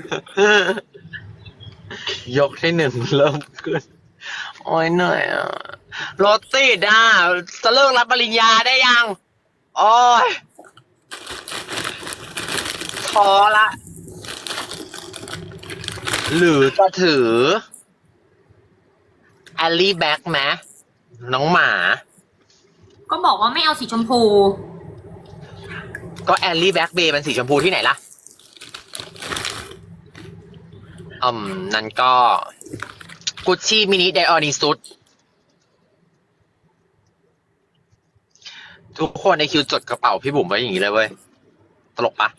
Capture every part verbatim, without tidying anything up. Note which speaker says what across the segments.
Speaker 1: ยกที่หนึ่งเริ่มขึ้นโอ้ยเหนื่อยอ่ะรถติดอ่ะจะเลิกรับปริญญาได้ยังโอ้ยท้อละ หรือจะถือแอลลี่แบ็กไหมน้องหมา
Speaker 2: ก็บอกว่าไม่เอาสีชมพู
Speaker 1: ก็แอลลี่แบ็กเบย์เป็นสีชมพูที่ไหนล่ะอืมนั่นก็กุชชี่มินิไดออนิซุดทุกคนในคิวจดกระเป๋าพี่บุ๋มไว้อย่างนี้เลยเว้ย ตลกปะ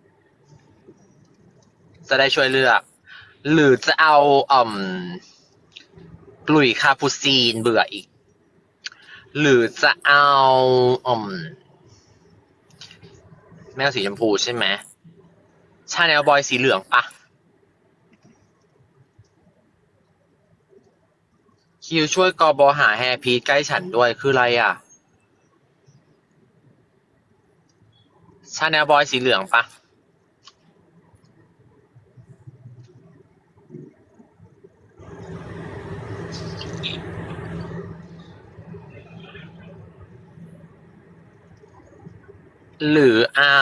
Speaker 1: จะได้ช่วยเลือก หรือจะเอาอืมกลุยคาปูซีนเบื่ออีก หรือจะเอาอืมแมวสีชมพูใช่ไหมชาแนลบอยสีเหลืองปะคิวช่วยกอบอหาแฮร์พีทใกล้ฉันด้วยคืออะไรอ่ะชาแนลบอยสีเหลืองปะหรือเอา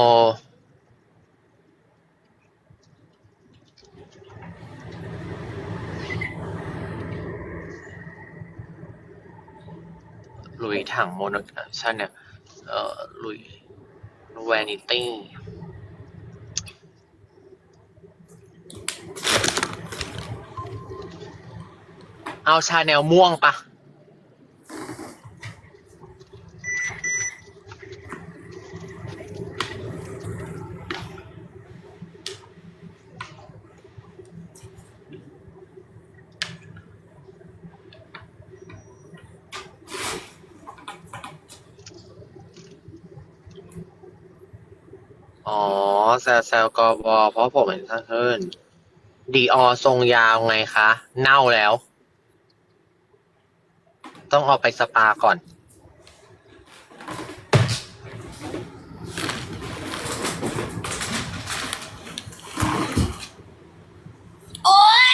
Speaker 1: ลุยถังโมโนชาแนลเอ่อลุยแวนิตี้เอาชาแนลม่วงปะอ๋อแซลแซลกอบอเพราะผมเห็นท่านเฮิร์นดีออทรงยาวไงคะ เน่าแล้ว ต้องเอาไปสปาก่อน
Speaker 2: โอ๊ย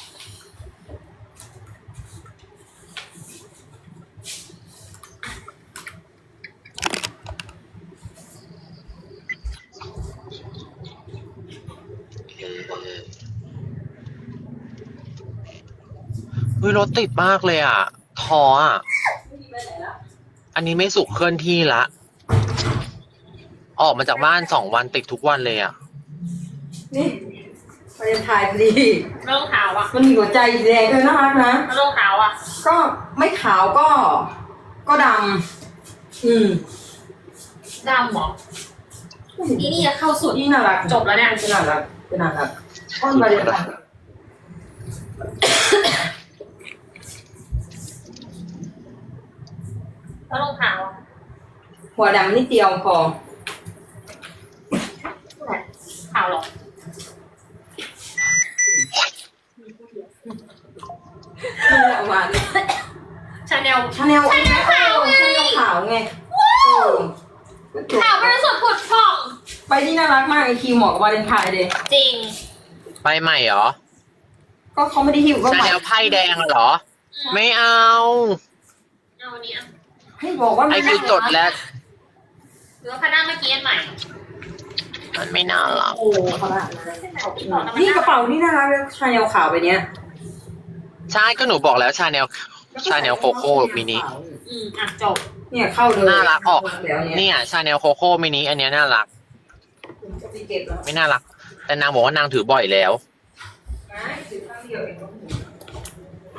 Speaker 1: เฮ้ยรถติดมากเลยอ่ะท้ออ่ะ อันนี้ไม่สุขเคลื่อนที่ละ ออกมาจากบ้านสองวันติดทุกวันเลยอ่ะ
Speaker 3: นี่ไปถ่ายพอดี
Speaker 2: ไม่ต้องขาวอ่ะ
Speaker 3: มันมีหัวใจแดงด้วยน่ารักนะ
Speaker 2: ไม่ต้องขาวอ่ะ
Speaker 3: ก็ไม่ขาวก็ ก็ดำอืม
Speaker 2: ดำเหรอนี่นี่จะเข้าสุด
Speaker 3: นี่น่ารัก
Speaker 2: จบแล้วเนี่ย
Speaker 3: เป็นน่ารักเป็นน่ารักอ้อนมาเลยค่ะ
Speaker 2: ไม่ต้องขาวอ่ะ
Speaker 3: หัวดำนิดเดียวพอ
Speaker 2: ขาวหรอ
Speaker 3: ไม่ได้เอามาดิ
Speaker 2: ชาแนล
Speaker 3: ชาแนล
Speaker 2: ชาแนลขาวไง
Speaker 3: ชาแนลขาวไง
Speaker 2: ว้าว
Speaker 3: เออ
Speaker 2: ขาวบริสุทธิ์ผุดผ่อง
Speaker 3: ไปที่น่ารักมากไอคิวเหมาะกับวาเลนไทน์เลย
Speaker 2: จริง
Speaker 1: ไปใหม่เหรอ
Speaker 3: ก็เขาไม่ได้หิวก็
Speaker 1: ชา
Speaker 3: ใหม่
Speaker 1: แนลไพ่แดงเหรอ ไม่เอา
Speaker 2: เอาอันนี้อ่ะ
Speaker 3: ให้บอกว่า
Speaker 1: ไอ
Speaker 3: ไม่
Speaker 1: คิวจดแล้ว
Speaker 2: หรือว่าพนักเมื่อกี้อันใหม่
Speaker 1: มันไม่น่ารัก
Speaker 3: โอ้เขาละนี่กระเป๋านี่น่ารักเลยชาแนลขาวไปเนี้ย
Speaker 1: ใช่ก็หนูบอกแล้วชาแนลชาแนลโคโค่มินิ
Speaker 2: อืมอ่ะจบ
Speaker 3: เนี่ยเข้าเลย
Speaker 1: น่ารักออก
Speaker 3: แล้วเนี่ย
Speaker 1: เนี่ยชาแนลโคโค่มินิอันเนี้ยน่ารัก
Speaker 3: จะไปเก็บแล้ว
Speaker 1: ไม่น่ารัก แต่นางบอกว่านางถือบ่อยแล้ว
Speaker 3: ไม่ถือข้างเดียวเองก็ถูก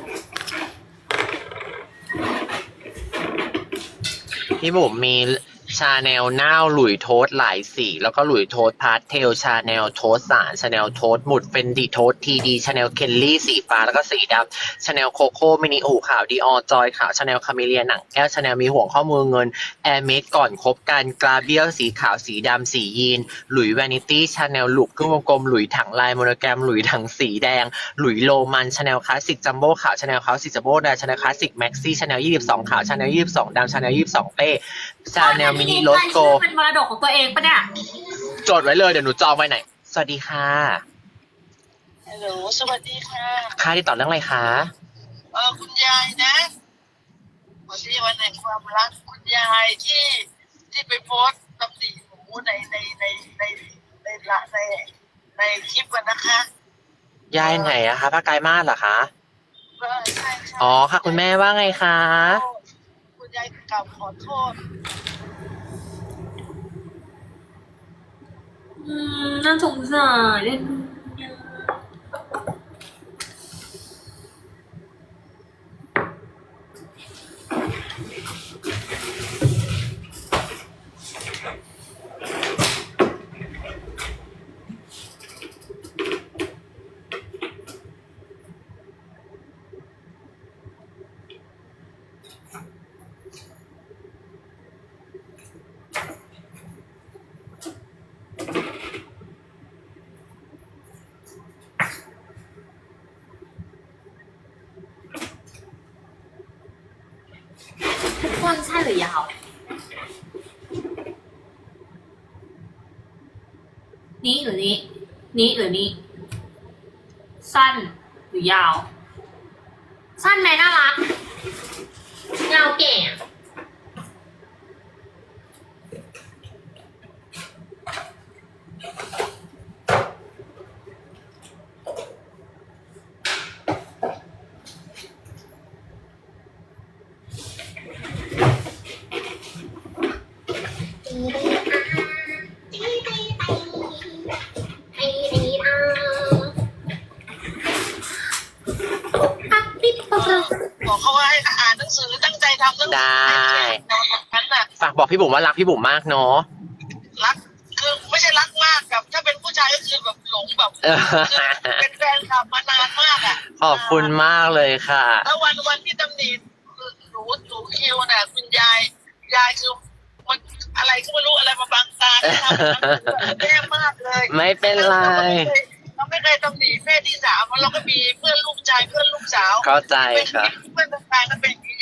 Speaker 1: พี่บุ๋มมีชาแนลน่าวหลุยโทสหลายสีแล้วก็หลุยโทสพาสเทลชาแนลโทสสารชาแนลโทสหมุดเฟนดีโทสทีดีชาแนลเคลลี่สีฟ้าแล้วก็สีดำชาแนลโคโค่มินิอูขาวดีออจอยขาวชาแนลคาเมเลียหนังแก้วชาแนลมีห่วงข้อมือเงินแอร์เมดก่อนคบกันกราเบียลสีขาวสีดำสียีนหลุยแวนิตี้ชาแนลลูกครึ่งวงกลมหลุยถังลายโมโนแกรมหลุยถังสีแดงหลุยโรมันชาแนลคลาสสิกจัมโบ้ขาวชาแนลคลาสสิกจัมโบ้แดงชาแนลคลาสสิกแม็กซี่ชาแนลยี่สิบสองขาวชาแนลยี่สิบสองดำชาแนลยี่สิบสองเป้ชาแนลมินิโรสโก
Speaker 2: เป็นมรดกของตัวเองปะเนี่ย
Speaker 1: จดไว้เลยเดี๋ยวหนูจองไว้ไหนสวัสดีค่ะ
Speaker 4: ฮัลโหลสวัสดีค่ะ
Speaker 1: ค่ะที่ต่อเรื่องอะไรคะ
Speaker 4: เออคุณยายนะวันนี้วันแห่งความรักคุณยายที่ที่ไปโพสต์ตำหนิหนูในในในในในละในในคลิปกันนะคะ
Speaker 1: ยายไหนอะคะป้าไกลมาศเหรอคะ
Speaker 4: เออใช่ใช่
Speaker 1: อ๋อค่ะคุณแม่ว่าไงคะ
Speaker 4: คุณยายกลับขอโทษ
Speaker 2: อืมน่าสงสารเล่นดูเนี่ย สั้นใช่หรือยาว นี้หรือนี้ นี้หรือนี้ สั้นหรือยาว สั้นไหมน่ารัก ยาวเก่งอะ
Speaker 4: บอกเขาว่าให้อ่านหนังสือตั้งใจทำหนังสื
Speaker 1: ได้
Speaker 4: ในวันนั้นน่ะ
Speaker 1: ฝากบอกพี่บุ๋มว่ารักพี่บุ๋มมากเนาะ
Speaker 4: รักคือไม่ใช่รักมากแบบถ้าเป็นผู้ชายก็คือแบบหลงแบบ
Speaker 1: เออ
Speaker 4: คือเป็นแฟนคลับมานานมากอ่ะ
Speaker 1: ขอบคุณมากเลยค่ะ
Speaker 4: แล้ววันวันที่ตำหนิหนูหนูคิวน่ะคุณยายยายคือมันอะไรก็ไม่รู้อะไรมาบังตาที่ทำแย่มากเลย
Speaker 1: ไม่เป็นไร
Speaker 4: เราไม่เคยตำหนิแม่ที่สามเราก็มีเพื่อนลูกชายเพื่อนลูกสาว
Speaker 1: เข้าใจค่ะ
Speaker 4: เพื่อนต่างๆก็เป็นอย่างนี้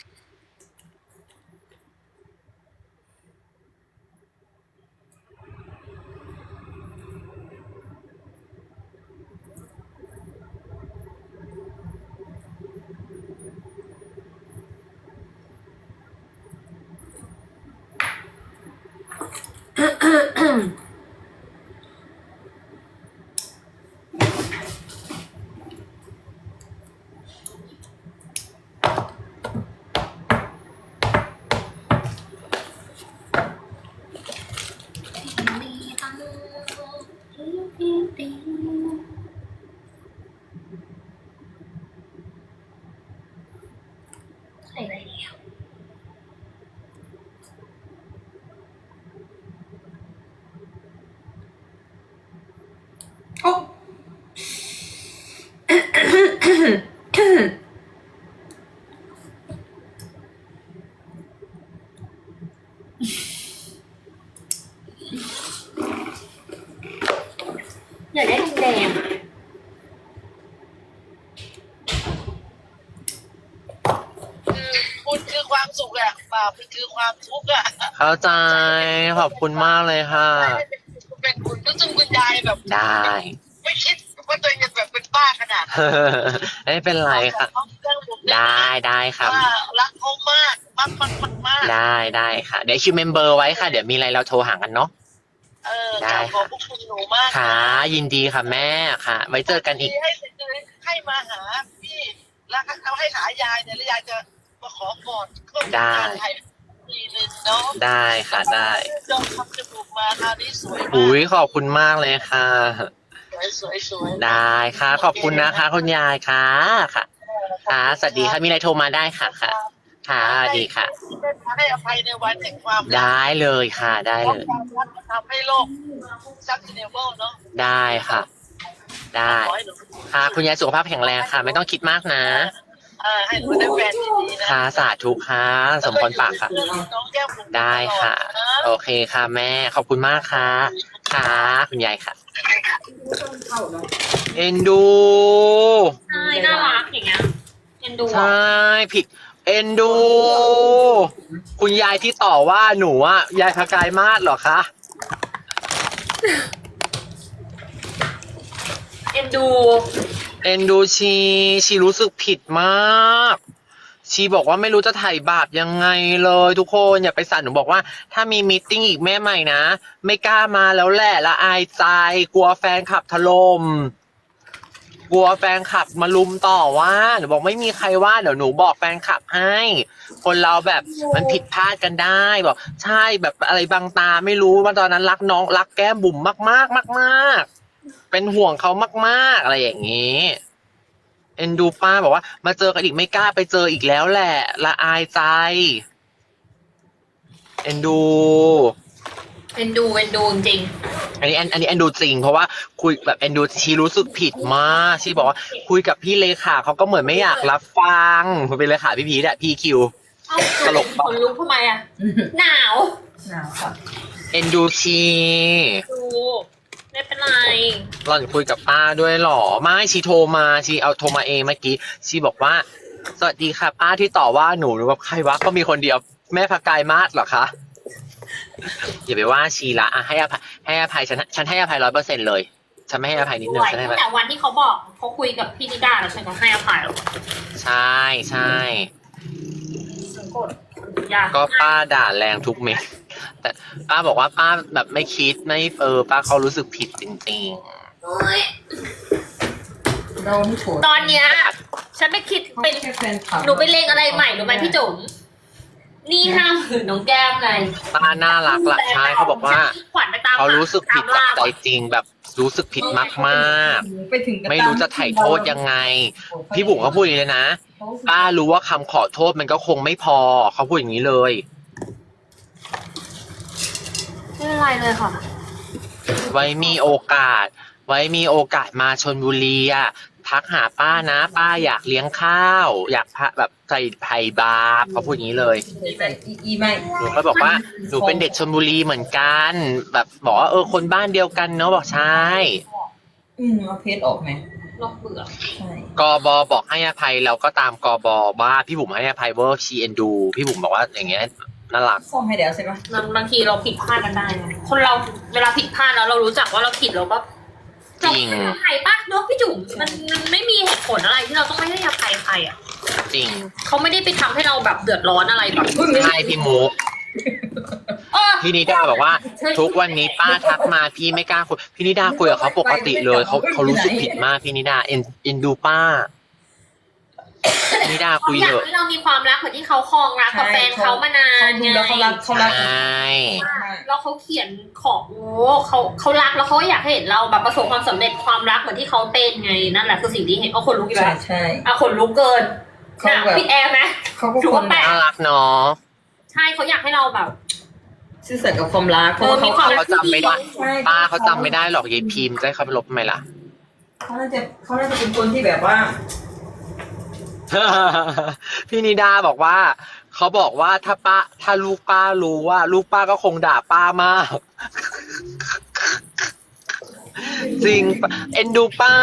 Speaker 2: ใส่อะไรแล้ว
Speaker 3: โอ้
Speaker 2: อยากได้แดงๆอะ
Speaker 4: คือคุณคือความสุขอะบาปคือความทุกข์อะ
Speaker 1: เข้าใจขอบคุณมากเลยค่ะ
Speaker 4: เป็นคุณซึ่งคุณยายแบบ
Speaker 1: ได้
Speaker 4: ไม่คิดว่าตัวเองจะแบบเป็นบ้าขนาดนั้น
Speaker 1: ไม่เป็นไรค่ะ ได้ได้ค่ะ
Speaker 4: ว่ารักเขามากมากมากมากมาก
Speaker 1: ได้ได้ค่ะ เดี๋ยวคิวเมมเบอร์ไว้ค่ะ เดี๋ยวมีอะไรเราโทรหากันเนาะ
Speaker 4: เออ
Speaker 1: ได้
Speaker 4: ขอบพระคุณหนูมาก
Speaker 1: ค่ะ ยินดีค่ะแม่ค่ะ ไว้เจอกันอีก
Speaker 4: ให้ให้มาหาพี่แล้วเอาให้หายายเนี่ยแล้วยายจะมาขอกอดก็
Speaker 1: ได้
Speaker 4: ถ่ายทีนึงเนาะ
Speaker 1: ได้ค่ะได้
Speaker 4: จองทำจมูกมาคราวนี้สวยมาก
Speaker 1: อุ้ยขอบคุณมากเลยค่ะ
Speaker 4: สวยสวยสวย
Speaker 1: ได้ค่ะ ขอบคุณนะคะคุณยายค่ะค่ะ ค่ะ สวัสดีค่ะ มีอะไรโทรมาได้ค่ะค่ะ คค่ะสวัสดีค่ะ
Speaker 4: ให้อภัยในวันแห่งความรัก
Speaker 1: ได้เลยค่ะได้
Speaker 4: เพ
Speaker 1: เล
Speaker 4: ราะ
Speaker 1: ย
Speaker 4: ความรักมันทำให้โลกซับซิเนเบิลเนาะ
Speaker 1: ได้ค่ะ ได้
Speaker 4: ขอให้หนู
Speaker 1: ค่ะ คุณยายสุขภาพแข็งแรงค่ะ ไม่ต้องคิดมากนะ
Speaker 4: เออให้หนูได้แฟนดีๆนะ
Speaker 1: ค่ะสาธุค่ะสมพรปากค่ะ
Speaker 4: แล้วก็อยู่กับน้องแก้มบุ๋ม
Speaker 1: ได้ค่ะ
Speaker 4: ตลอดน
Speaker 1: โอเคค่ะแม่ ขอบคุณมากค่ะ ค่ะ คุณยายค่ะ
Speaker 3: เข้าเนาะ
Speaker 1: เอ็นดู
Speaker 2: ใช่น่ารักอย่างเงี้ยเอ็นดู
Speaker 1: ใช่ผิด เอ็นดู คุณยายที่ต่อว่าหนูอะยายพกายมาศเหรอคะ
Speaker 2: เอ็นดู
Speaker 1: เอ็นดูชี ชีรู้สึกผิดมาก ชีบอกว่าไม่รู้จะไถ่บาปยังไงเลยทุกคนอย่าไปสั่นหนูบอกว่าถ้ามีมีตติ้งอีกแม่ใหม่นะ ไม่กล้ามาแล้วแหละละอายใจ กลัวแฟนขับถล่มกลัวแฟนขับมาลุมต่อว่าหนูบอกไม่มีใครว่าเดี๋ยวหนูบอกแฟนขับให้ คนเราแบบมันผิดพลาดกันได้บอกใช่แบบอะไรบางตาไม่รู้ว่าตอนนั้นรักน้องรักแก้มบุ๋มมากมากมากมากๆเป็นห่วงเขามากๆอะไรอย่างนี้เอ็นดูป้าบอกว่ามาเจอกันอีกไม่กล้าไปเจออีกแล้วแหละละอายใจเอ็นดู
Speaker 2: เอ็นดูเอ็นดูจริง
Speaker 1: อันนี้อันอันนี้แอนดูจริงเพราะว่าคุยแบบแอนดูชีรู้สึกผิดมากชีบอกว่าคุยกับพี่เลขาเขาก็เหมือนไม่อยากรับฟังเป็นเลขาพี่พีทอะพี่คิว
Speaker 2: ๆเอ้า
Speaker 1: ตลก
Speaker 2: ขนลุกทำไมอ่ะ หนาว
Speaker 3: หนาวค่ะ
Speaker 1: เอ็นดูชี
Speaker 2: ดูไม่เป็นไร
Speaker 1: หล่อนคุยกับป้าด้วยเหรอไม่ชีโทรมาชีเอาโทรมาเองเมื่อกี้ชีบอกว่าสวัสดีค่ะป้าที่ต่อว่าหนูหนูแบบใครวะก็มีคนเดียวแม่พกายมาศเหรอคะอย่าไปว่าชีละอ่ะให้อภัยให้อภัยฉันฉันให้อภัยร้อยเปอร์เซ็นต์เลยฉันไม่ให้อภัยนิดนึงฉันให้อภัย
Speaker 2: แต่วันที่เขาบอกเขาคุยกับพี่นิดาแล้วฉันก็ให้อภัยแล้ว
Speaker 1: ใช่ใช่
Speaker 2: ฉันกดอยาก
Speaker 1: ก็ป้าด่าแรงทุกเม็ดแต่ป้าบอกว่าป้าแบบไม่คิดไม่เออป้าเขารู้สึกผิดจริง
Speaker 2: เฮ้ย
Speaker 3: เราไม่โฉด
Speaker 2: ตอนเนี้ยฉันไม่คิด
Speaker 3: เขา
Speaker 2: เป็น
Speaker 3: แค่แฟนคลับ
Speaker 2: หนูไปเลงอะไรใหม่รู้ไหมพี่จุ๋มนี่ห้าหมื่นน้องแก้มเลย
Speaker 1: ๆป้าน่ารักละใช่เขาบอกว่า
Speaker 2: ขวัญไปตาม
Speaker 1: เขารู้สึกผิด
Speaker 2: ตาม
Speaker 1: จาก
Speaker 2: ล่า
Speaker 1: ใจจริงแบบรู้สึกผิดมาก
Speaker 3: ไปถึงก
Speaker 1: ๆ ไม่รู้จะไถ่โทษยังไง พี่บุ๋มเขาพูดอย่างนี้เลยนะป้ารู้ว่าคำขอโทษมันก็คงไม่พอเขาพูดอย่างนี้เลย
Speaker 2: ไม่เป็นไรเลยค่ะ
Speaker 1: ไว้มีโอกาส ไว้มีโอกาสมาชลบุรีอะทักหาป้านะ ป้าอยากเลี้ยงข้าว อยากพะแบบใส่ไผ่บาปเขาพูดอย่างนี้เลย
Speaker 3: ใส่อีอีไม่
Speaker 1: หนูก็บอกว่าหนูเป็นเด็กชลบุรีเหมือนกัน แบบบอกว่าเออคนบ้านเดียวกันเนาะบอกใช่
Speaker 3: อืมเอาเพชรออกไหม
Speaker 2: ลอกเบื่อ
Speaker 3: ใช่
Speaker 1: กบบอกให้อภัยเราก็ตามกบว่าพี่บุ๋มให้อภัยเวอร์ชีเอ็นดู พี่บุ๋มบอกว่าอย่างเงี้ยน่ารัก
Speaker 3: ซ่อมให้แล้วใช่ปะ
Speaker 2: บางบางทีเราผิดพลาดกันได้ไงคนเราเวลาผิดพลาดแล้วเรารู้จักว่าเราผิดเราก็
Speaker 1: จริง
Speaker 2: อภัยปะเนาะพี่จุ๋มมันมันไม่มีเหตุผลอะไรที่เราต้องไม่ให้อภัยใครอ่ะ
Speaker 1: จริง
Speaker 2: เขาไม่ได้ไปทำให้เราแบบเดือดร้อนอะไรแบบ
Speaker 1: ใช่พี่มุก
Speaker 2: เออ
Speaker 1: พี่นิดาบอกว่า ทุกวันนี้ป้าทักมาพี่ไม่กล้าคุยพี่นิดาคุยกับเขาปกติเลยเขาเขารู้สึกผิดมากพี่นิดาเอ็นเอ็นดูป้าพี่นิดา
Speaker 2: เขา
Speaker 1: คุย
Speaker 2: อยา
Speaker 1: เถ
Speaker 2: ก
Speaker 1: อะ
Speaker 2: ให้เรามีความรักเหมือนที่เขาครองรักกับแฟนเขามานาน
Speaker 3: เขาดู
Speaker 2: ไง
Speaker 3: แล้วเขารักเขา
Speaker 1: ใช
Speaker 3: รัก
Speaker 1: ่
Speaker 2: แล้วเขาเขียนของโอ้เขาเขารักแล้วเขาอยากให้เห็นเราแบบประสบความสำเร็จความรักเหมือนที่เขาเป็นไงนั่นแหละคือสิ่งที่เห็นเอาคนลุกอีก
Speaker 3: ใช่
Speaker 2: แล้ว
Speaker 3: ใช่
Speaker 2: เอาคนลุกเกิน
Speaker 3: เขา
Speaker 2: น่ะ
Speaker 3: แบบ
Speaker 2: ปิดแอร์ไหม
Speaker 3: เขาก็
Speaker 2: ถือ
Speaker 3: ค
Speaker 2: ว่าน แปลก
Speaker 1: น่ารักเนาะ
Speaker 2: ใช่เขาอยากให้เราแบบ
Speaker 3: ซื่อสัตย์กับความรัก
Speaker 2: เออมีความรัก
Speaker 1: เขาจำไม่ได้
Speaker 3: ใช่
Speaker 1: ป้าเขาจำไม่ได้หรอกยายพิมพ์จะให้เขาไปลบทำไมล่ะ
Speaker 3: เขาน่าจะเขาน่าจะเป็นคนที่แบบว่า
Speaker 1: พี่นิดาบอกว่าเขาบอกว่าถ้าป้าถ้าลูกป้ารู้ว่า ลูกป้าก็คงด่าป้ามาก จริงปะเอ็นดูป้า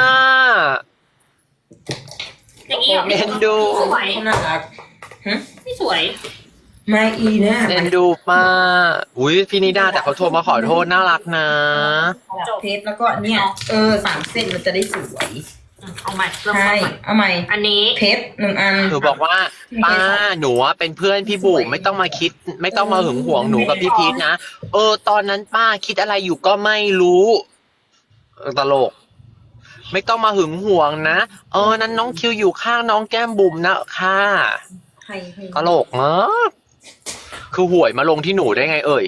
Speaker 2: อย่างนี้เหรอ
Speaker 1: เอ็นดู
Speaker 2: สวย
Speaker 3: เขาน่ารักฮะ
Speaker 2: ไม่สวย
Speaker 3: มาอีนะ
Speaker 1: เอ็นดูป้าอุ้ยพี่นิดาแต่เขาโทรมาขอโทษน่ารักนะ
Speaker 3: เทปแล้วก็เนี่ยเออสามเส้นมันจะได้สวย
Speaker 2: เอาใหม่เริ่ม
Speaker 3: ใช่
Speaker 2: ต้นใหม่
Speaker 3: เอาใหม่
Speaker 2: อันนี้
Speaker 3: เพชรหนึ่งอัน
Speaker 1: หนูบอกว่าป้าหนูอะเป็นเพื่อนพี่บุ๋มไม่ต้องมาคิด ไม่ต้องมาหึงหวงหนูกับพี่พีทนะเออตอนนั้นป้าคิดอะไรอยู่ก็ไม่รู้เออตลก ไม่ต้องมาหึงหวงนะเออนั้นน้องคิวอยู่ข้างน้องแก้มบุ๋มนะค่ะ
Speaker 3: ใครให้
Speaker 1: ตลกมากคือหวยมาลงที่หนูได้ไงเอ่ย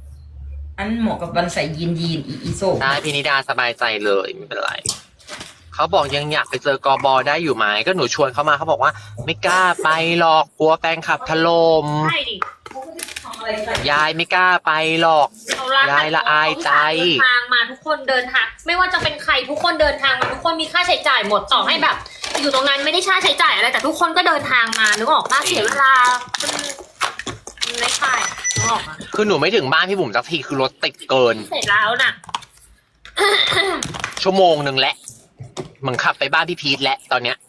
Speaker 3: อันเหมาะกับวันใส่ยีนยีนอีอีโซ
Speaker 1: ได้พี่นิดาสบายใจเลยไม่เป็นไรเขาบอกยังอยากไปเจอกบได้อยู่ไหมก็หนูชวนเขามาเขาบอกว่า ไม่กล้าไปหรอกกลัวแฟนคลับถล่ม
Speaker 2: ใช่ดิ
Speaker 1: ยายไม่กล้าไปหรอก
Speaker 2: เขารัก
Speaker 1: ยายละอายใจ
Speaker 2: เดินทางมาทุกคนเดินทางไม่ว่าจะเป็นใครทุกคนเดินทางมาทุกคนมีค่าใช้จ่ายหมดต่อให้แบบ อยู่ตรงนั้นไม่ได้ค่าใช้จ่ายอะไรแต่ทุกคนก็เดินทางมานึกออกป้าเสียเวลามันมันไม่ใช่นึกออกมา
Speaker 1: คือหนูไม่ถึงบ้านพี่บุ๋มสักทีคือรถติดเกิน
Speaker 2: เสร็จแล้วน่ะ
Speaker 1: ชั่วโมงหนึ่งแล้วเหมือนขับไปบ้านพี่พีทแล้วตอนเนี้ย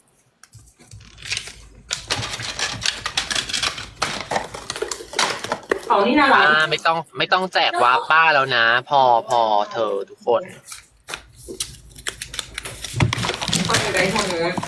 Speaker 3: เอานี่น่ารัก
Speaker 1: ป้าไม่ต้องไม่ต้องแจกวาร์ปป้าแล้วนะ พอพอเธอทุกคน
Speaker 3: คนอยู่ในห้องนู้น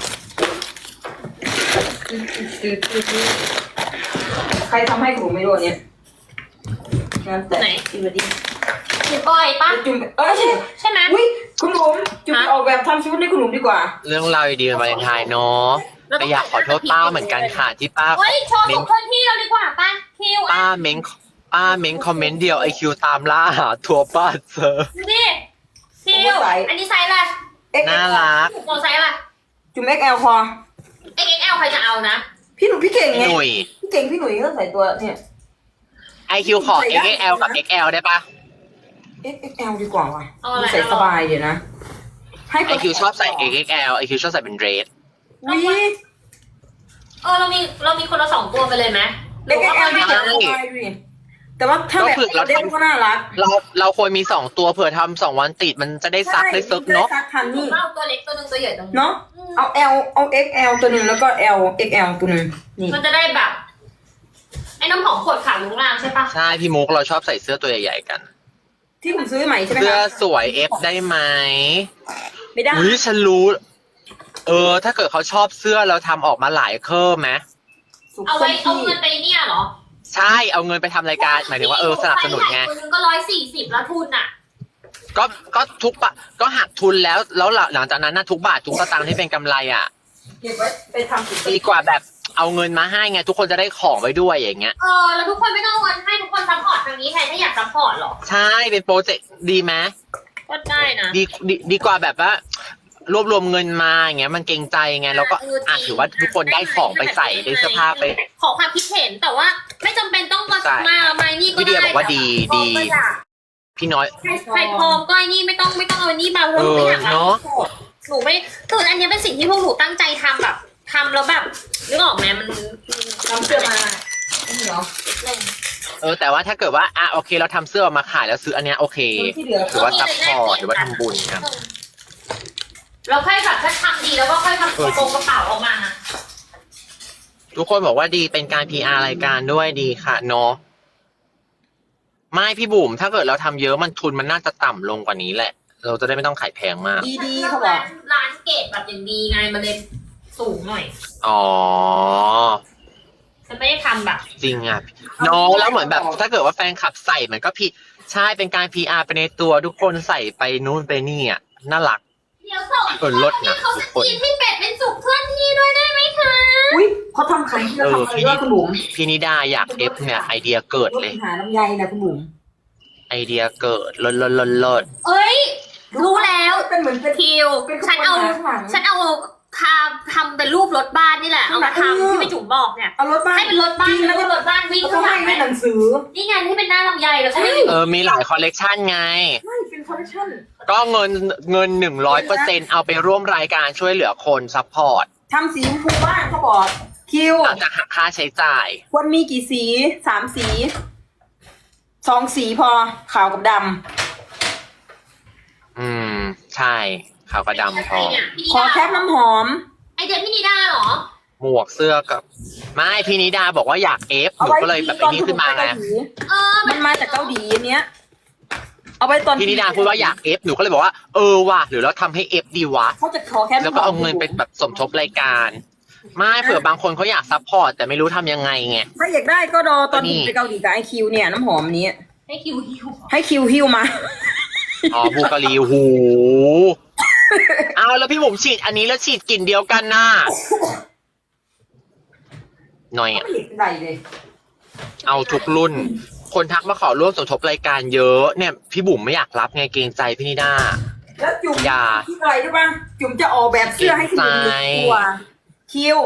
Speaker 3: ใครทำให้กูไม่รู้อันเนี่ยงานแต่
Speaker 2: ไหน
Speaker 3: อีวดี
Speaker 2: คุณก้อยปะ
Speaker 3: จุ่มเอ้ย
Speaker 2: ใช่ไหม
Speaker 3: อุ้ยคุณหลุมจุ่มออกแบบทำชุดให้คุณหลุมดีกว่า
Speaker 1: เรื่องราวดีๆวันวาเลนไทน์เนาะแต่อยากขอโทษป้าเหมือนกันค่ะที่ป้า
Speaker 2: เฮ้ยโชว์ของเคลื่อนที่เราดีกว่าป้าคิว
Speaker 1: ป้าเม้งป้าเม้งคอมเมนต์เดียวไอคิวตามล่าหาทัวร์ป้าเจอ
Speaker 2: ดูดิคิวอันนี้ไซส์อะไร
Speaker 3: เอ็ก
Speaker 1: น่ารัก
Speaker 2: เราไซส์อะไร
Speaker 3: จุ่มเอ็กแอลพอ
Speaker 2: เอ็กแอลใครจะเอานะ
Speaker 3: พี่หนุ่มพี่เก่ง
Speaker 1: พี่
Speaker 3: ไง
Speaker 1: หนุ่ย
Speaker 3: พี่เก่งพี่หนุ่ยก็ใส่ตัวเนี่ย
Speaker 1: ไอคิวขอ เอ็กซ์แอล กับ เอ็กซ์แอล ได้ปะ
Speaker 3: เอ็กแอลดีกว่าว่ะ
Speaker 2: เอาอะไร
Speaker 3: ใส่สบายเดี๋ยวนะ ให้
Speaker 1: ไอคิวชอบใส่ เอ็กซ์แอล ไอคิวชอบใส่เป็นเดรส
Speaker 3: วิ
Speaker 2: เออเรามีเรามีคนละสองตัวไปเลยไหมหรื
Speaker 3: เอ็
Speaker 2: อก ว่า
Speaker 3: แอล
Speaker 2: เอา
Speaker 3: ดี
Speaker 2: ที่
Speaker 3: ก
Speaker 2: เดียว
Speaker 3: ว่าดิแต่ว่าถ้าแบบเด็กก็น่ารัก
Speaker 1: เราเราควรมีสองตัวเผื่อทำสองวันติดมันจะได้ซักได้ซึกเนาะ
Speaker 3: ซักทันนี่
Speaker 2: เอาตัวเล็กตัวหนึงตัวใหญ่ตัวหนึง
Speaker 3: เนาะเอา L เอา เอ็กซ์แอล ตัวหนึ่งแล้วก็ L เอ็กซ์แอล ตัวหนึ่งนี่
Speaker 2: มันจะได้แบบไอ้น้ำหอมขวดขาวลุงรางใช่ปะ
Speaker 1: ใช่พี่มุกเราชอบใส่เสื้อตัวใหญ่ๆกัน
Speaker 3: ที่ผมซื้อใหม่ใช่ไหม
Speaker 1: เสื้อ
Speaker 3: คะ
Speaker 1: สวยเอฟได้ไหม
Speaker 3: ไม่ได้
Speaker 1: อุ้ยฉันรู้ เออ ถ้าเกิดเขาชอบเสื้อเราทำออกมาหลายเคอร์ไหม
Speaker 3: สุข
Speaker 2: เอา
Speaker 3: สั
Speaker 2: ไว้
Speaker 3: นต์
Speaker 2: เอา
Speaker 3: ที่
Speaker 2: เงินไปเนี่ยเหรอ
Speaker 1: ใช่เอาเงินไปทำรายการหมายถึงว่าเออสนับสนุนไง
Speaker 2: ตัวหนึงก็ร้อยสี่สิบแล้วทุนอ่ะ
Speaker 1: ก็ก็ทุกปะก็หักทุนแล้วแล้วหลังจากนั้นนะทุกบาททุกสตางค์ที่เป็นกำไรอ่ะ
Speaker 3: เก็บไว้ไปทำสุขสัน
Speaker 1: ดี
Speaker 3: ต์
Speaker 1: กว่าแบบเอาเงินมาให้ไงทุกคนจะได้ของไว้ด้วยอย่างเงี้ย
Speaker 2: เออแล้วทุกคนไม่ต้องเอาเงินให้ทุกคนซัพพอร์ตทางนี้แทนถ้าอยากซัพพอร์ตเหรอ
Speaker 1: ใช่เป็นโปรเจกต์ดีไหม
Speaker 2: ก็ได้นะ
Speaker 1: ดีดีดีกว่าแบบว่ารวบรวมเงินมาอย่างเงี้ยมันเกรงใจไงแล้วก็อ่ะถือว่าทุกคนได้ของไปใส่ได้เสื้อผ้าไป
Speaker 2: ขอความคิดเห็นแต่ว่าไม่จำเป็นต้องมา
Speaker 1: ใช่
Speaker 2: มามานี่ก็
Speaker 1: พี่เดีย
Speaker 2: ได้
Speaker 1: บอกว่าดี
Speaker 2: แต่
Speaker 1: ดี
Speaker 2: พร้อมก็อยาก
Speaker 1: พี่น้อย
Speaker 2: ใครใครพร้อมก็ไอ้นี่ไม่ต้องไม่ต้องเอาอันนี้มาเพราะหนูไม่อยาก
Speaker 1: เออเนอะ
Speaker 2: หนูไม่คืออันนี้เป็นสิ่งที่พวกหนูตั้งใจทำแบบทำแล้วแบบนึกออกไหมมัน
Speaker 3: ทำเสื้อมานี่เหรอ
Speaker 1: เออแต่ว่าถ้าเกิดว่าอ่ะโอเคเราทำเสื้อออกมาขายแล้วซื้ออันเนี้ยโอเค
Speaker 3: ที่เหลือ
Speaker 1: ถือว่าซัพพอร์ตหรือว่าทำบุญครับ
Speaker 2: เราค่อยแบบถ้าทำดีแล้วก็ค่อยทำกระโปรงกระเป๋าออกมา
Speaker 1: ทุกคนบอกว่าดีเป็นการ พี อาร์ รายการด้วยดีค่ะเนาะไม่พี่บุ๋มถ้าเกิดเราทำเยอะมันทุนมันน่าจะต่ำลงกว่านี้แหละ เราจะได้ไม่ต้องขายแพงมาก
Speaker 3: ดีๆเขาบอก
Speaker 2: ร้านเกตแบบอย่างดีไงมันเลยสูงหน่อย
Speaker 1: อ๋อ
Speaker 2: ฉันไม่ได้ทำแบบ
Speaker 1: จริงอ่ะเน้องแล้วเหมือนแบบ ถ้าเกิดว่าแฟนคลับใส่มันก็พี่ใช่เป็นการ พี อาร์ ไปในตัวทุกคนใส่ไปนู่นไปนี่อ่ะน่ารัก
Speaker 2: เดี๋ยวส่ง
Speaker 1: เออลดนะ
Speaker 2: เขา
Speaker 1: ทุ
Speaker 2: ส
Speaker 1: กคน
Speaker 2: กรีนให้เป็ดเป็นสุกเคลื่อนที่ด้วยได้ไหมคะ
Speaker 3: อุ้ยเขาทำขายที่เราทำอะไรด้วยคุณบุ๋ม
Speaker 1: พี่นิดาอยากเอฟเนี่ยไอเดียเกิด
Speaker 3: รถ
Speaker 1: เลย
Speaker 3: หาน้ำใยนะคุณบุ๋ม
Speaker 1: ไอเดียเกิดเลิศเลิศเลิศเลิศ
Speaker 2: เอ้ย รู้แล้ว
Speaker 3: เป็นเหมือนเป็น
Speaker 2: คิว ฉันเอา ฉันเอาทาทำเป็นรูปรถบ้านนี่แหละ เอามาทำที่พี่จุ๋มบอกเนี่ย
Speaker 3: เอารถบ้าน
Speaker 2: ให้เป็นรถบ้านแล้วก็รถบ้านวิ่ง
Speaker 3: เขา
Speaker 2: ข้างหลั
Speaker 3: ให้
Speaker 2: งไหม
Speaker 3: ในหนังสือ
Speaker 2: นี่ไงที่เป็นหน้าลำไยแล้วใช่ไหม
Speaker 1: เออมีหลายคอลเลกชันไง
Speaker 3: ไม่เป็นคอลเลคชั่น
Speaker 1: ก็เงินเงินหนึ่งร้อยเปอร์เซ็นเอาไปร่วมรายการช่วยเหลือคนซัพพอร์ต
Speaker 3: ทำสีชมพูบ้างเขาบอกคิว
Speaker 1: เราจะหักค่าใช้จ่าย
Speaker 3: ควรมีกี่สีสามสีสองสีพอขาวกับด
Speaker 1: อืม ใช่ขาวกระดำพอ
Speaker 3: ำขอแคปน้ำหอม
Speaker 2: ไอเดียพี่นิด้าเหรอ
Speaker 1: หมวกเสื้อกับ ไม่พี่นิดาบอกว่าอยากเอฟห
Speaker 3: เอา
Speaker 1: นู
Speaker 3: ไว้
Speaker 1: ก็เลยแบบไอ้นี่ขึ้นมา
Speaker 3: ไป
Speaker 1: ไง
Speaker 3: เกาหลี
Speaker 2: เออ
Speaker 3: มันมาจากเกาหลีอันเนี้ย เอาไปตอน
Speaker 1: พี่นิดาพูดว่าอยากเอฟหนูก็เลยบอกว่าเออว่ะหรือเราทำให้เอฟดีวะ
Speaker 3: เขาจะขอแคป
Speaker 1: แล้วก็เอาเงินไปแบบสมทบรายการ ไม่เผื่อบางคนเขาอยากซัพพอร์ตแต่ไม่รู้ทำยังไงไง
Speaker 3: ถ้าอยากได้ก็รอตอน
Speaker 1: นี่
Speaker 3: ที่ไปเกาหลีกับไอคิวเนี่ยน้ำหอมนี้
Speaker 2: ให้คิวฮิว
Speaker 3: ให้คิวฮิวมา
Speaker 1: อ๋อบูการีหูเอาแล้วพี่บุ๋มฉีดอันนี้แล้วฉีดกลิ่นเดียวกันน่ะหน่อย
Speaker 3: ไม่
Speaker 1: อ่ะ
Speaker 3: เห็นใดเลย
Speaker 1: เอาทุกรุ่น คนทักมาขอร่วมสมทบรายการเยอะเนี่ยพี่บุ๋มไม่อยากรับไงเกรงใจพี่นิด้า
Speaker 3: เแล้วจุ๋ม
Speaker 1: อย่า
Speaker 3: คิดอะไรรู้ป่ะจุ๋มจะออกแบบเสื้อให้คุณบุ๋มหนึ่งตัวคิว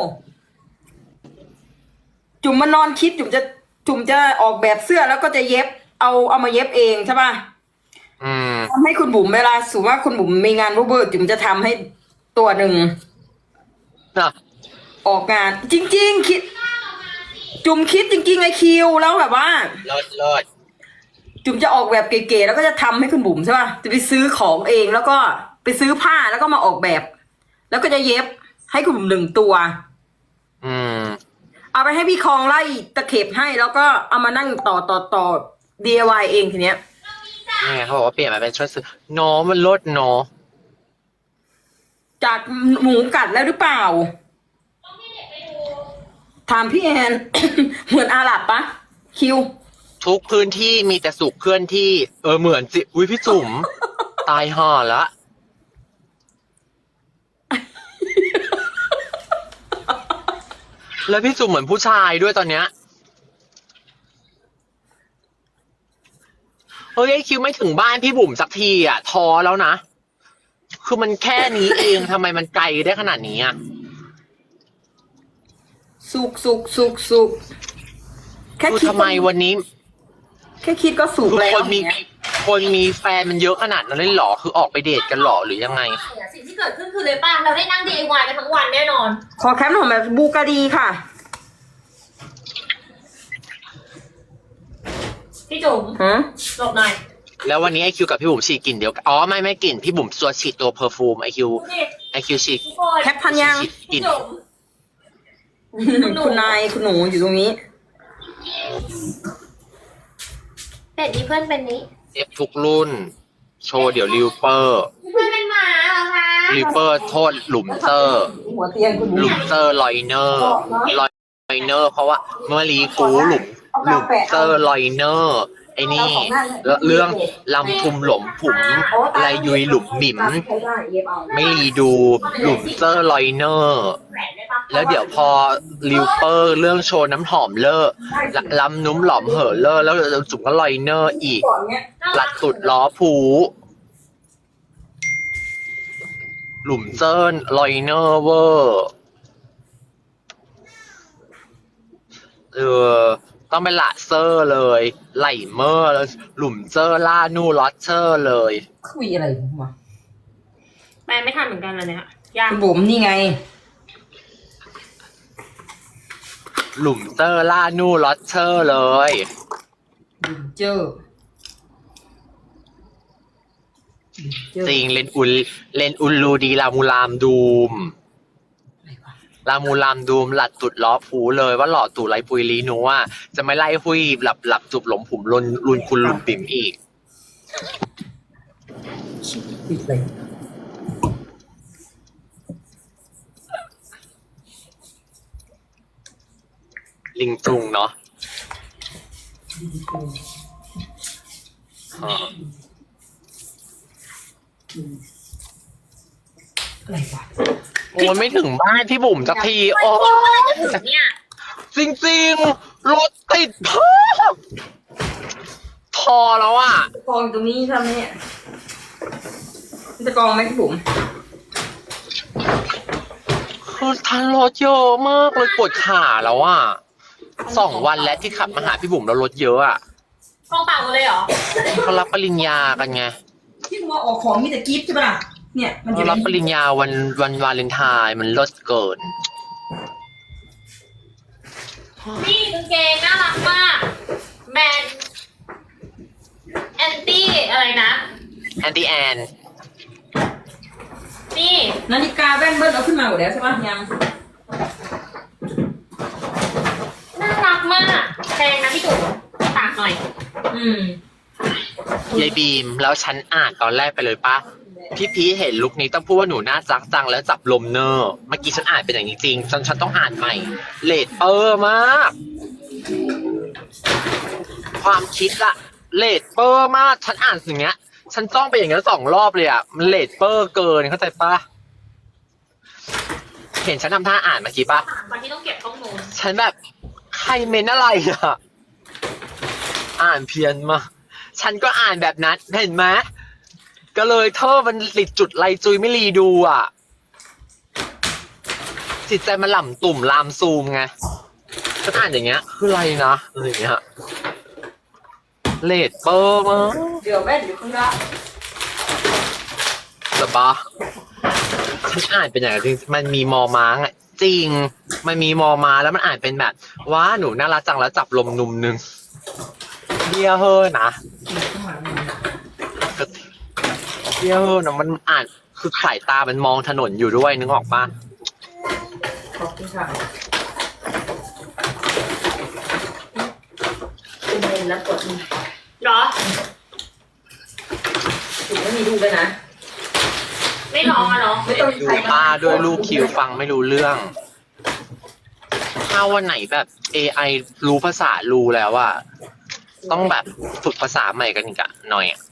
Speaker 3: จุ๋มมานอนคิดจุ๋มจะจุ๋มจะออกแบบเสื้อแล้วก็จะเย็บเอาเอามาเย็บเองใช่ป่ะ
Speaker 1: อืม
Speaker 3: ทำให้คุณบุ๋มเวลาสมมติว่าคุณบุ๋มมีงานเบอร์จุ๋มจะทำให้ตัวหนึ่ง
Speaker 1: น่ะ
Speaker 3: ออกงาน จริง ๆ คิด จุ๋มคิดจริงๆไอคิวแล้วแบบว่า
Speaker 1: เลิศเลิศ
Speaker 3: จุ๋มจะออกแบบเก๋ๆแล้วก็จะทำให้คุณบุ๋มใช่ป่ะจะไปซื้อของเองแล้วก็ไปซื้อผ้าแล้วก็มาออกแบบ แล้วก็จะเย็บให้คุณบุ๋มหนึ่งตัว
Speaker 1: อืม
Speaker 3: เอาไปให้พี่คองไล่ตะเข็บให้แล้วก็เอามานั่งต่อต่อต่อ ดี ไอ วาย เองทีเนี้ย
Speaker 1: นี่ไงเขาบอกว่าเปลี่ยนมาเป็นชุดซื้อโนมันลดโน
Speaker 3: จากหมูกัดแล้วหรือเปล่าถามพี่แอน เหมือนอาหรับปะคิว
Speaker 1: ทุกพื้นที่มีแต่สุขเคลื่อนที่ เออเหมือนจิอุ้ยพี่จุ๋ม ตายห่อละ แล้วพี่จุ๋มเหมือนผู้ชายด้วยตอนเนี้ยเฮ้ยไอคิวไม่ถึงบ้านพี่บุ๋มสักทีอ่ะท้อแล้วนะ คือมันแค่นี้เองทำไมมันไกลได้ขนาดนี้อ่ะ
Speaker 3: สุกสุกสุกสุกแค่
Speaker 1: คือ
Speaker 3: คิด
Speaker 1: ทำไมวันนี้
Speaker 3: แค่คิดก็สุก
Speaker 1: คือ
Speaker 3: แล้ว
Speaker 1: คนมีคนมีแฟนมันเยอะขนาดนั้นเลยเหรอ คือออกไปเดทกันเหรอหรือยังไง
Speaker 2: สิ่งที่เกิดขึ้นคือเลยป่ะเราได้นั่ง ดี ไอ วาย กันทั้งวันแน่นอน
Speaker 3: ขอแคมป์หน่อยแบบบูการีค่ะ
Speaker 2: พี่จุ๋ม
Speaker 3: ฮะ
Speaker 2: หลบหน่อย
Speaker 1: แล้ววันนี้ไอคิวกับพี่บุ๋มฉีดกลิ่นเดียวกันอ๋อไม่ไม่กลิ่นพี่บุ๋มตัวฉีดตัวเพอร์ฟูมไอคิว
Speaker 2: ดูดิ
Speaker 1: ไอคิวฉีด
Speaker 2: ทุกคน
Speaker 3: แคปทันยัง
Speaker 1: ฉีดกลิ่
Speaker 2: พี่
Speaker 1: น
Speaker 2: จุ๋ม
Speaker 3: คุณนายคุณหนูอยู่ตรงนี้
Speaker 2: เป็ดมีเพื่อนเป็นนี้
Speaker 1: เอฟทุกรุ่น โชว์เดี๋ยวริวเปอร์
Speaker 2: เพื่อนเป็นหมาเหรอคะ
Speaker 1: ริวเปอร์โทษหลุมเซอร์
Speaker 3: หัวเตียงคุณหนู
Speaker 1: หลุมเซอร์ลอยเนอร์ลอยเนอร์เพราะว่าเมื่อรีกูหลุมหลุมเซอร์ลอยเนอร์ไอ้นี่แล้วเรื่องลำทุมหลมผุมลายยุยหลุมหมิม ไม่รีดูหลุมเซอร์ลอยเนอร์
Speaker 2: แหวนได้ปะ
Speaker 1: แล้วเดี๋ยวพอริวเปอร์เรื่องโชว์น้ำหอมเลอะลำนุ่มหลอมเหอะเลอะแล้วจุ๋มก็ลอยเนอร์อีก
Speaker 3: ก่อนเนี้ย
Speaker 1: หลัดสุดล้อผูหลุมเซิร์นลอยเนอร์เวอร์เออต้องเป็นละเซอร์เลย ไหลเมอร์แล้วหลุมเซอร์ล่านูลอตเชอร์เลย
Speaker 3: คุยอะไรผมวะ
Speaker 2: แม่ไม่ทันเหมือนกันเลยเนี่ยยาก
Speaker 3: คุณบุ๋มนี่ไง
Speaker 1: หลุมเซอร์ล่านูลอตเชอร์เลย
Speaker 3: เจอเจอ
Speaker 1: จริงเลนอุลเลนอุลลูดีลามูลามดูม ลามูลามดูมหลัดตุดล้อผูเลยว่าหล่อตู่ไรปุยลีนัวจะไม่ไล่หุยหลับหลับจุบหลมผุมลุนลุนคุณลุนปิ่มอีก
Speaker 3: ปิดเลย
Speaker 1: ลิงจุงเนาะอ่า
Speaker 3: อะไรวะ
Speaker 1: โอ้ยไม่ถึงบ้านพี่บุ๋มสักที โอ้
Speaker 2: เนี่ย
Speaker 1: จริงๆ รถติดพอพอแล้วอ่ะ
Speaker 3: กองตรงนี้ทำเนี่ยจะกองไหมคุณบุ๋ม
Speaker 1: คือทันรถเยอะมากเลยปวดขาแล้วอ่ะสองวันแล้วที่ขับมาหาพี่บุ๋มแล้วรถเยอะอ่ะ
Speaker 2: กองเปล่าหมดเลยเหรอ
Speaker 1: เขารับปริญญากันไง
Speaker 3: ที่ว่าออกของมีแต่กิฟต์ใช่ปะล่ะเนี่ยมันจะ
Speaker 1: เขารับปริญญาวันวันวาเลนไทน์มันเลิศเกิน
Speaker 2: นี่กางเกงน่ารักมากแบรนด์แอนตี้อะไรนะ
Speaker 1: แอนตี้แอน
Speaker 2: นี่
Speaker 3: นาฬิกาแว่นเบิ้ลเอาขึ้นมาหมดแล้วใช่ปะยัง
Speaker 2: น่ารักมากแพงนะพี่จุ๋มตากหน่อย
Speaker 3: อืม
Speaker 1: ยายบีมแล้วฉันอ่านตอนแรกไปเลยปะพี่พีชเห็นลุคนี้ต้องพูดว่าหนูน่ารักจังแล้วจับลมเนอร์เมื่อกี้ฉันอ่านเป็นอย่างนี้จริงฉันฉันต้องอ่านใหม่เลดเปอร์มาก ความคิดละเลดเปอร์มากฉันอ่านสิ่งเนี้ย ฉันจ้องไปอย่างนี้สองรอบเลยอ่ะมันเลดเปอร์เกินเข้าใจปะเห็นฉันทำท่าอ่านเมื่อกี้ปะ
Speaker 2: วันที่ต้องเก็บข้อมูล
Speaker 1: ฉันแบบใครเมนอะไรอ่ะ อ่านเพี้ยนมากฉันก็อ่านแบบนั้นเห็นไหมก็เลยเธอมันหลิดจุดไรจุยไม่รีดูอ่ะจิตใจมันหล่ำตุ่มลามซูมไงก็อ่านอย่างเงี้ยคืออะไรนะอะไรอย่างเงี้ยเลดเปอร์มั้ง
Speaker 3: เดี๋ยวแม่อยู่ข้างล่าง
Speaker 1: หรอปะฉันอ่านเป็นอย่างจริงมันมีมอม้างอ่ะจริงมันมีมอมาแล้วมันอ่านเป็นแบบว้าหนูน่ารักจังแล้วจับลมนุ่มนึงเดียเฮอนะเดียเฮอนะมันอ่านคือสายตามันมองถนนอยู่ด้วยนึกออกปะ
Speaker 3: ขอบคุณค่ะคุณเมนแล้วกดนี่
Speaker 2: เหรอ
Speaker 3: ถึงไม่มีลูกเลยนะ
Speaker 2: ไม่ร้องอะเนาะ
Speaker 3: ไม่ต้องมี
Speaker 1: ดู
Speaker 3: ใคร
Speaker 1: ป้าด้วยลูกคิวฟังไม่รู้เรื่อง ถ้าวันไหนแบบ เอ ไอ รู้ภาษารู้แล้วอะต้องแบบฝึกภาษาใหม่กันอีกอะหน่อยอะ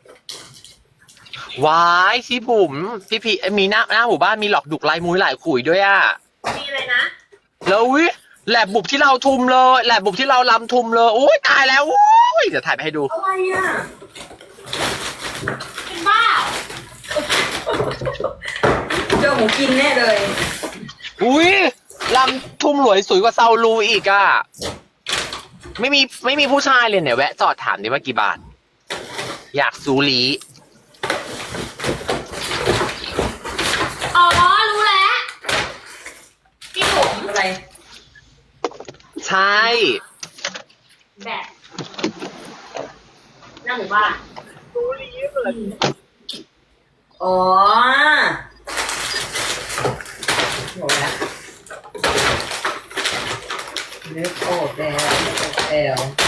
Speaker 1: วายพี่บุ๋มพี่พีมีหน้าหน้าหมู่บ้านมีหลอกดุกลายมุ้ยหลายขุยด้วยอะ
Speaker 2: มีเลยนะ
Speaker 1: แล้ววิแหลบบุบที่เราทุมเลยแหลบบุบที่เราลำทุมเลยอุ้ยตายแล้วอุ้ยเดี๋ยวถ่ายไปให้ดู
Speaker 3: อะไรอ่ะ
Speaker 2: เป็นบ้า
Speaker 3: เจอหมูกินแน่เลย
Speaker 1: อุ้ยลำทุ่มหลวยสวยกว่าเซาลูอีกอะไม่มีไม่มีผู้ชายเลยเนี่ยแวะจอดถามดิว่ากี่บาท อยากซูรี
Speaker 2: อ๋อ รู้แล้วพี่ผม
Speaker 3: อะไร
Speaker 1: ใช่
Speaker 2: แบบหน้าหมู่บ้าน
Speaker 3: อ๋อโหแล้วนึกออกแล้วนึกออกแล้ว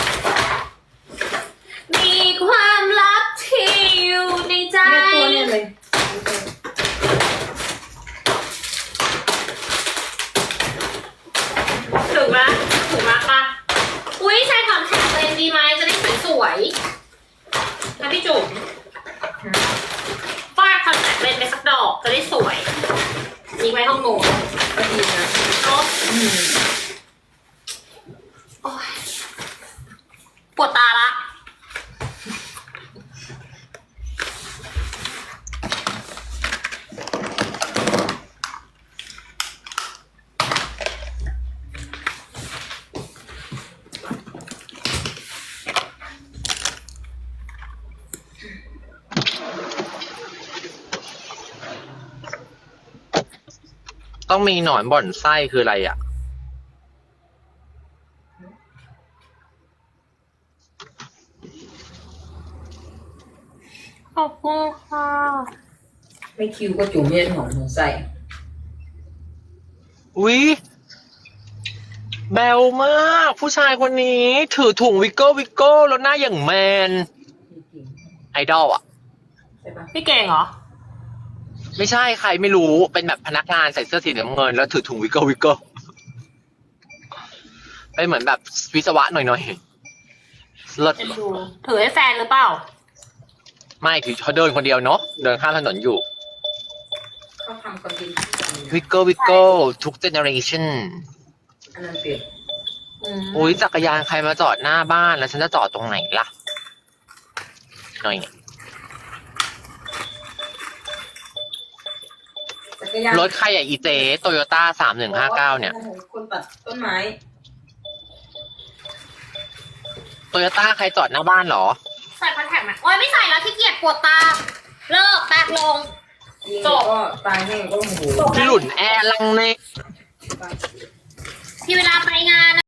Speaker 2: มีความลับที่อยู่ในใจ
Speaker 3: แม่ตัวเนี่ยเลย
Speaker 2: ถึงไหมถึงมากปะอุ้ยใช้คอนแทคเลนส์ดีไหมจะได้สวยๆนะพี่จุ๋มฟาดคอนแทคเลนส์ไปสักดอกจะได้สวยนี่ไว้ห้องโน้ต
Speaker 3: ก็ดีนะ
Speaker 2: เนาะ
Speaker 3: อืม
Speaker 2: โอ๊ยปวดตาละ
Speaker 1: ต้องมีหนอนบ่อนไส้คืออะไรอ่ะ
Speaker 2: ขอบคุณค่ะ
Speaker 3: ไม่คิวก็จุ่มเย็นหอมหัวใส่
Speaker 1: อุ๊ยแบวมากผู้ชายคนนี้ถือถุงวิกเกิลวิกเกิลแล้วหน้าอย่างแมน ไอดอลอ่ะ
Speaker 3: ใช่ปะ
Speaker 2: พี่เก่งเหรอ
Speaker 1: ไม่ใช่ใครไม่รู้เป็นแบบพนักงานใส่เสื้อสีน้ำเงินแล้วถือถุงวิกเกิลวิกเกิลเป็นเหมือนแบบวิศวะหน่อยๆเลิศ
Speaker 2: จะดู ถือให้แฟนหรือเปล่า
Speaker 1: ไม่ถือเขาเดินคนเดียวเนาะเดินข้ามถนนอยู่
Speaker 3: เขาทำคอนเทนต์ที่กัน
Speaker 1: วิกเกิลวิกเกิลทุกเจเนอเรชั่น
Speaker 3: อันนั้นเปลี่ยน
Speaker 2: อืม
Speaker 1: อุ้ยจักรยานใครมาจอดหน้าบ้านแล้วฉันจะจอดตรงไหนล่ะหน่อยเนี่ย
Speaker 3: จักรยาน
Speaker 1: รถใครอ่ะอีเจโตโยต้าสามหนึ่งห้าเก้าเนี่ย
Speaker 3: คนตัดต้นไม้
Speaker 1: โตโยต้าใครจอดหน้าบ้านเหรอ
Speaker 2: ใส่คอนแทคไหมโอ๊ยไม่ใส่แล้วขี้เกียจปวดตา เลิกแปกลง
Speaker 3: ยิง
Speaker 2: จบ
Speaker 3: ก็ตายแห้งก็โมโห
Speaker 2: จบ
Speaker 1: พี่หลุนแอร์ลังเน
Speaker 2: ที่เวลาไปงาน